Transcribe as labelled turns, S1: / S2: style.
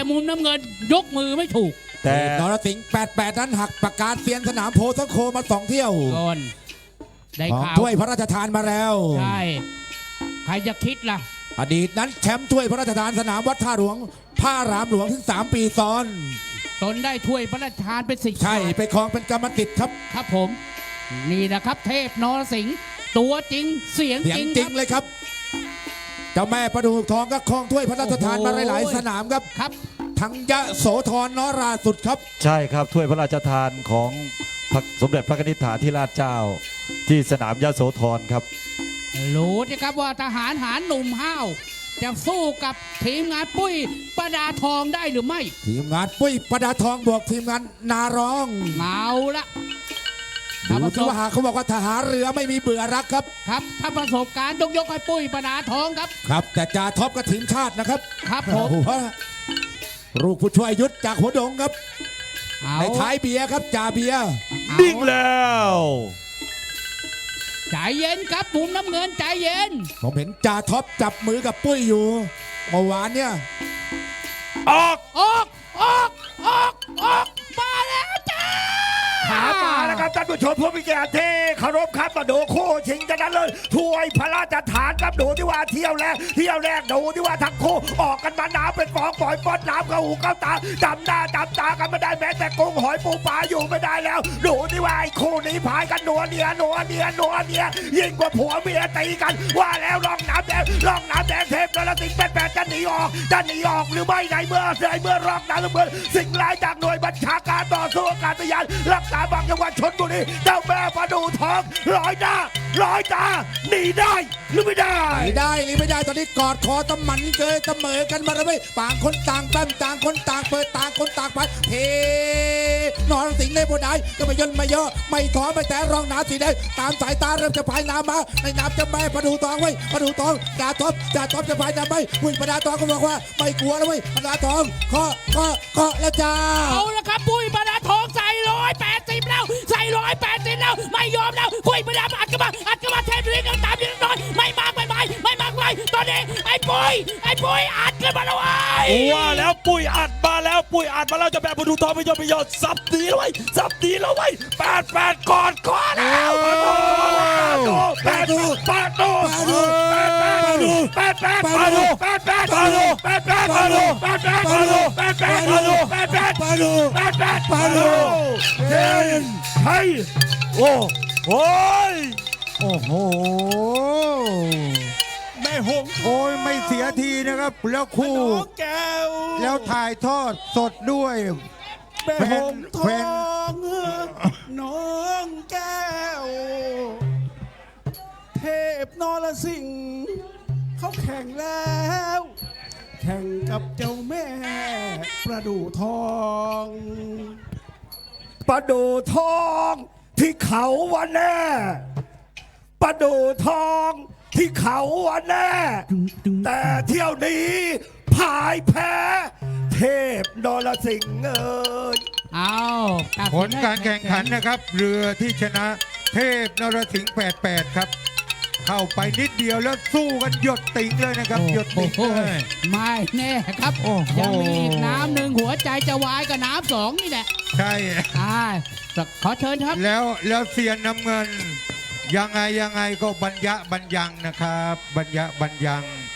S1: มุมน้ำเงินยกมือไม่ถูก
S2: แต่
S3: นรสิงห์88นั้นหักประกาศเซียนสนามโพธิ์ต้นโคมา2 เที่ยว
S1: ก่อนได้ข่าว
S3: ถ้วยพระราชทานมาแล้ว
S1: ใช่ใครจะคิดล่ะ
S3: อดีตนั้นแชมป์ถ้วยพระราชทานสนามวัดท่าหลวงผ้ารามหลวงถึง3 ปีซ้อน
S1: ตนได้ถ้วยพระราชทานเป็นสิทธิ์
S3: ใช่ไปครองเป็นกรรมสิทธิ์ครับ
S1: ครับผมนี่นะครับเทพนรสิงห์ตัวจริงเสียงจริง
S3: เลยครับเจ้าแม่ประดูทองก็ครองถ้วยพระราชทานมาหลายๆสนามครับ
S1: ครับ
S3: ทั้งยะโสธรนราสุดครับ
S2: ใช่ครับถ้วยพระราชทานของสมเด็จพระนิธิฐาธิราชเจ้าที่สนามยะโสธรครับ
S1: รู้นะครับว่าทหารหารหนุ่มห้าวจะสู้กับทีมงานปุ้ยประดาทองได้หรือไม่
S3: ทีมงานปุ้ยประดาทองบวกทีมงานนาร้อง
S1: เอาละ
S3: ดูที่ว่าเขาบอกว่าทหารเรือไม่มีเบื่อรักครับ
S1: ครับถ้าประสบการณ์ยกให้ปุ้ยประดาทองครับ
S3: ครับแต่จ่าท็อปกับทีมชาตินะครับ
S1: ครับผม
S3: ลูกผู้ช่วยยุทธจากหัวดงครับในท้ายเบียร์ครับจ่าเบียร์
S2: นิ่งแล้ว
S1: ใจเย็นครับมุมน้ำเงินใจเย็น
S3: ผมเห็นจ่าท็อปจับมือกับปุ้ยอยู่เมื่อวานเนี่ย
S1: ออกมาแล้วจ้า
S4: ขามาแล้วครับท่านผู้ชมผู้มีเกียรติที่เคารพครับมาดูคู่ชิงกันนั้นเลยถ้วยพระราชทานครับดูที่ว่าเที่ยวแรกดูที่ว่าทั้งคู่ออกกันมาน้ำเป็นฟองปล่อยป้อนน้ำเข้าหูเข้าตาจำหน้าจำตากันไม่ได้แม้แต่กุ้งหอยปูปลาอยู่ไม่ได้แล้วดูที่ว่าไอ้คู่นี้พายกันนัวเนียยิ่งกว่าผัวเมียตีกันว่าแล้วร่องน้ำแดงเทพนรสิงห์88จะหนีออกหรือไม่ในเมื่อร่องน้ำเงินสิ่งร้ายจากหน่วยบัญชาการต่อสู้อากาศยานรักษาบางจังหวัดชลบุรีเจ้าแม่ประดูทองร้อยตาหนีได้หรือไม่ได้
S3: ตอนนี้กอดคอตะมันเกยเสมอกันมาแล้วไม่ต่างคนต่างแต้มต่างคนต่างเปิดต่างคนต่างไปเทนรสิงห์ในบนได้ก็ไม่ย่นไม่ย่อไม่ถอยไม่แต่รองน้ำสีแดงตามสายตาเริ่มจะพายน้ำมาในน้ำจะแม่ประดูทองไว้ประดูทองจ่าท็อปจะพายน้ำไม่วิ่งประดาทองก็บอกว่าไม่กลัวแล้วเว้ยประดาทองเคาะแล้วจ้า
S1: เอาละครับปุ้ยประดาทองใส่180แล้วใส่180แล้วไม่ยอมแล้วปุ้ยประดาอัดกันมาเทพลิงกันตามยังน้อยไม่มากตอนนี้ไอ้ปุ้ยอัดกันมาแล้ว
S2: ว่าแล้วปุ้ยอัดมาแล้วจะแบบประดูทองไม่ยอมสับตีแล้วไว้88ก่อนแล้ว
S4: เฮ้ย
S2: โอ้โห
S5: แม่หงโอ้ยไม่เสียทีนะครับแล้วคู่แล้วถ่ายทอดสดด้วย
S6: แม่หงทองน้องแก้วเทพนรสิงห์เขาแข่งแล้วแข่งกับเจ้าแม่ประดูทอง
S4: ที่เขาวันแน่ประดูทองที่เขาวันแน่แต่เที่ยวนี้พ่ายแพ้เทพนรสิงห์
S5: ผลการแข่งขันนะครับเรือที่ชนะเทพนรสิงห์88ครับเข้าไปนิดเดียวแล้วสู้กันหยดติ่งเลยนะครับหยดติ่งเลย
S1: ไม่แน่ครับยังมีอีกน้ำหนึ่งหัวใจจะวายกับน้ำ2นี่แหละ
S5: ใช่
S1: ขอเชิญครับ
S5: แล้วเสียนน้ำเงินยังไงก็บรรยังนะครับบรรยัง